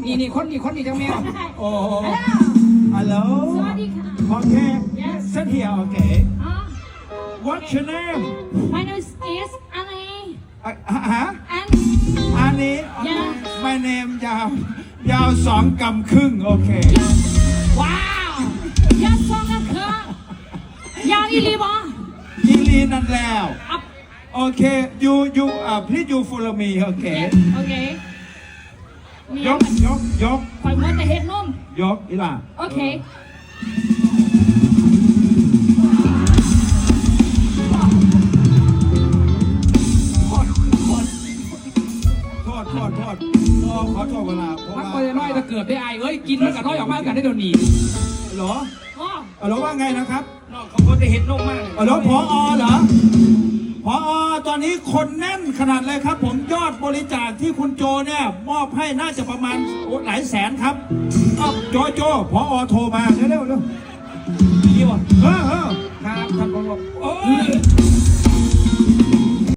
นี่คนนี้จังแมวโอ้ฮัลโหลสวัสดีค่ะโอเค sit here okay what's your name My name is Annie ฮะ and อันนี้ my name ยาว2 กำครึ่งโอเคว้าวยาสองกันคือยาวอีลีบออีลีนั่นแล้วโอเค you please you follow me โอเคโอเคยกคอยมัวแต่เห็ดนุ่มยกอีหล่าโอเคโทษขอโทษเวลาเพราะพักว่าไปน้อยจะเกิดได้ไอ้เอ้ยกินมันกับน้อยออกมากันได้โดนหนีเหรอว้าวเหรอว่าไงนะครับน้องเขาโคตรเห็นนกมากเหรอพอเหรอพอตอนนี้คนแน่นขนาดเลยครับ ผมยอดบริจาคที่คุณโจเนี่ยมอบให้น่าจะประมาณหลายแสนครับโจพอโทรมาเร็วดีวะเออครับท่านผอโอ้